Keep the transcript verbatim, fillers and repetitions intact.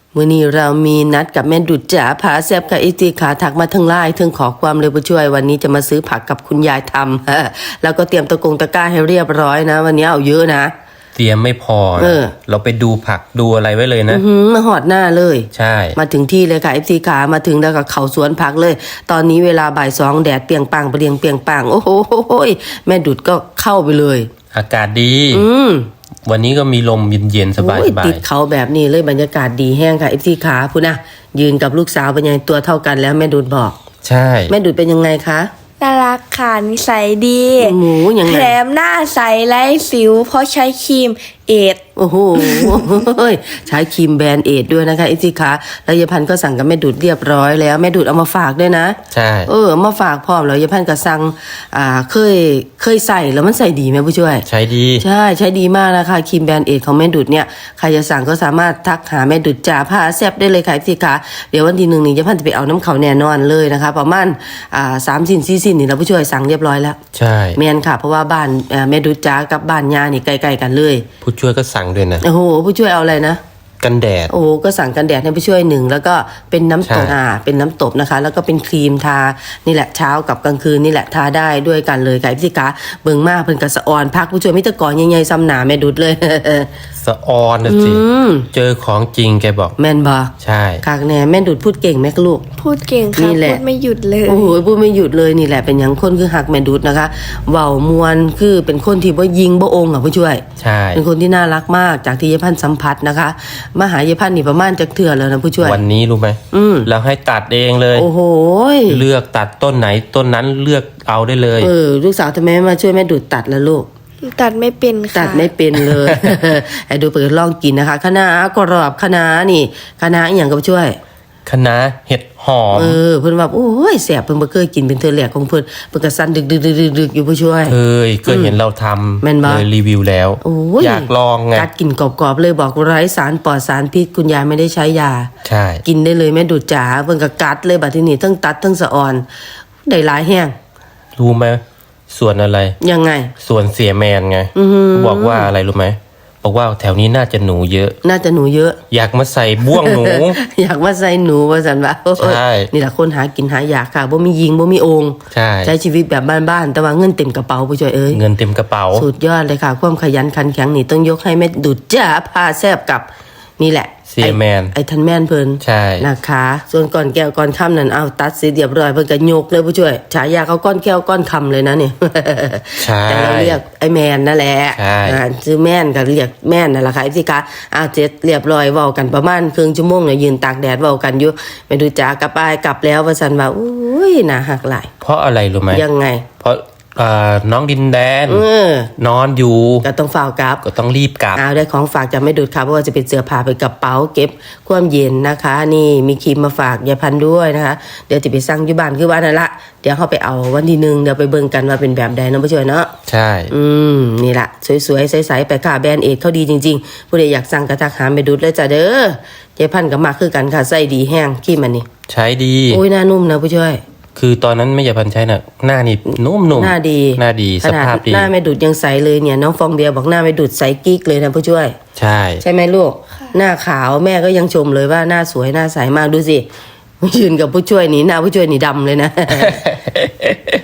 วันนี้เรามีนัดกับแม่ดุจจ๋าผาแซบกับอีตีขาถักมาทั้งไลน์ทั้งขอความเร็วผู้ช่วยวันนี้จะมาซื้อผักกับคุณยายทำแล้วก็เตรียมตะกงตะกร้าให้เรียบร้อยนะวันนี้เอาเยอะนะเตรียมไม่พอเออเราไปดูผักดูอะไรไว้เลยนะอือมาหอดหน้าเลยใช่มาถึงที่เลยค่ะเอฟซีขามาถึงแล้วก็เขาสวนผักเลยตอนนี้เวลาบ่ายสองแดดเปรียงปังเปรียงเปรียงปังโอ้โหแม่ดุจก็เข้าไปเลยอากาศดีอืมวันนี้ก็มีลมเย็นๆสบายๆติดเขาแบบนี้เลยบรรยากาศดีแห้งค่ะเอฟซีขาพูดนะยืนกับลูกสาวเป็นยังตัวเท่ากันแล้วแม่ดุจบอกใช่แม่ดุจเป็นยังไงคะน่ารักค่ะนิสัยดีหมูยังไงแถมหน้าใสไร้สิวเพราะใช้ครีมเอทโอ้โหใช้ครีมแบรนด์เอทด้วยนะคะไอซีขาแล้วยายพันก็สั่งกับแม่ดุดเรียบร้อยแล้วแม่ดุดเอามาฝากด้วยนะใช่เออมาฝากพร้อมแล้วยายพันก็สั่งอ่าเคยเคยใส่แล้วมันใส่ดีไหมผู้ช่วยใช้ดีใช่ใช้ดีมากนะคะครีมแบรนด์เอทของแม่ดุดเนี่ยใครจะสั่งก็สามารถทักหาแม่ดุดจ่าผ้าแซบได้เลยค่ะไอซีขาเดี๋ยววันที่หนึ่งนี้ยายพันจะไปเอาน้ำเขาแน่นอนเลยนะคะประมาณอ่าสามสิ้นสี่สิ้นนี่เราผู้ช่วยสั่งเรียบร้อยแล้วใช่แมนค่ะเพราะว่าบ้านแม่ดุดจ่ากับบ้านยานี่ใกล้ๆกันเลยผู้ช่วยก็สั่งด้วยนะโอ้โหผู้ช่วยเอาอะไรนะกันแดดโอ้ก็สั่งกันแดดให้ผู้ช่วยหนึ่งแล้วก็เป็นน้ำตบอ่าเป็นน้ำตบนะคะแล้วก็เป็นครีมทานี่แหละเช้ากับกลางคืนนี่แหละทาได้ด้วยกันเลยค่ะพี่กาเบิ่งมากเพิ่นกระสะออนพักผู้ช่วยมิตรกรใหญ่ๆซ้ำหนาแม่ดุดเลยสะออนนะสิเจอของจริงแกบอกแม่นบ่ใช่คากแน่แม่ดุดพูดเก่งแม่ลูกพูดเก่งค่ะพูดไม่หยุดเลยโอ้โหพูดไม่หยุดเลยนี่แหละเป็นอย่างคนคือหักแม่ดุดนะคะเว้ามวนคือเป็นคนที่บ่ยิงบ่องอ่ะผู้ช่วยใช่เป็นคนที่น่ารักมากจากที่ยายพันธ์สัมผัสนะคะมาหายายพันธ์นี่ประมาณจักเทื่อแล้วนะผู้ช่วยวันนี้รู้ไหมอืมแล้วให้ตัดเองเลยโอ้โหเลือกตัดต้นไหนต้นนั้นเลือกเอาได้เลยเออลูกสาวทำไมมาช่วยแม่ดุดตัดละลูกตัดไม่เป็นค่ะตัดไม่เป็นเลยไอ้ดูเปิดลองกินนะคะคะน้ากรอบคะน้านี่คะน้าอีหยังก็ช่วยคะน้าเห็ดหอมเออเพิ่นว่าโอ้ยแสบเพิ่นบ่เคยกินเป็นเทื่อแรกของเพิ่นเพิ่นก็สั่นดึกๆๆๆอยู่ผู้ช่วยเคยเคยเห็นเราทำเลยรีวิวแล้วอยากลองไงกัดกินกรอบๆเลยบอกไร้สารปลอดสารพิษคุณยายไม่ได้ใช้ยาใช่กินได้เลยแม่ดุดจ๋าเพิ่นก็กัดเลยบัดทีนี้ทั้งตัดทั้งสะออนได้หลายแห้งรู้ไหมส่วนอะไรยังไงส่วนเสียแมนไงบอกว่าอะไรรู้ไหมบอกว่าแถวนี้น่าจะหนูเยอะน่าจะหนูเยอะอยากมาใส่บ่วงหนูอยากมาใส่หนูว่าสันว่าใช่นี่แหละคนหากินหาอยากค่ะบ่มียิงบ่มีองค์ใช่ใช้ชีวิตแบบบ้านๆแต่ว่าเงินเต็มกระเป๋าผู้ช่วยเอ้ยเงินเต็มกระเป๋าสุดยอดเลยค่ะความขยันขันแข็งนี่ต้องยกให้แม่ดุจจ๋าพาแซบกับนี่แหละเสียแมนไอ้ทันแม่นเพิ่นใช่นะคะส่วนก่อนแก้วก่อนค่ำนั่นเอาตัดเสร็จเรียบร้อยเพิ่นก็ยกเลยผู้ช่วยฉายาเขาก้อนแก้วก้อนคำเลยนะเนี่ยใช่แต่เราเรียกไอ้แมนนั่นแหละใช่ชื่อแม่นก็เรียกแม่นนั่นแหละค่ะไอ้สิคะเอาเสร็จเรียบร้อยเว้ากันประมาณครึ่งชั่วโมงเนี่ยยืนตากแดดเว้ากันอยู่ไปดูจ๋ากลับไปกลับแล้วว่าซั่นว่าอุ้ยน่าหักหลายเพราะอะไรรู้ไหมยังไงเพราะน้องดินแดนนอนอยู่ก็ต้องฝากกลับก็ต้องรีบกลับเอาได้ของฝากจะไม่ดูดค่ะเพราะว่าจะเป็นเสื้อผ้าไปกระเป๋าเก็บความเย็นนะคะนี่มีครีมมาฝากยายพันธุ์ด้วยนะคะเดี๋ยวจะไปสั่งอยู่บ้านคือบ้านนั่นละเดี๋ยวเขาไปเอาวันที่หนึ่งเดี๋ยวไปเบิ่งกันว่าเป็นแบบใดนะผู้ช่วยเนาะใช่อืมนี่แหละสวยๆใสๆไปค่ะแบรนด์เอทเขาดีจริงๆผู้ใดอยากสั่งกระทักหาไปดูดเลยจ้ะเด้อยายพันธุ์ก็มาคือกันค่ะใส่ดีแห้งครีมมันนี่ใช้ดีโอ้ยหน้านุ่มนะผู้ช่วยคือตอนนั้นไม่อยากพันใช้น่ะหน้านี่นุ่มๆหน้าดีหน้าดีสภาพดีหน้าไม่ดุดยังใสเลยเนี่ยน้องฟองเบียร์บอกหน้าไม่ดุดใสกิ๊กเลยนะผู้ช่วยใช่ใช่ไหมลูกหน้าขาวแม่ก็ยังชมเลยว่าหน้าสวยหน้าใสมากดูสิยืนกับผู้ช่วยนี่หน้าผู้ช่วยนี่ดำเลยนะ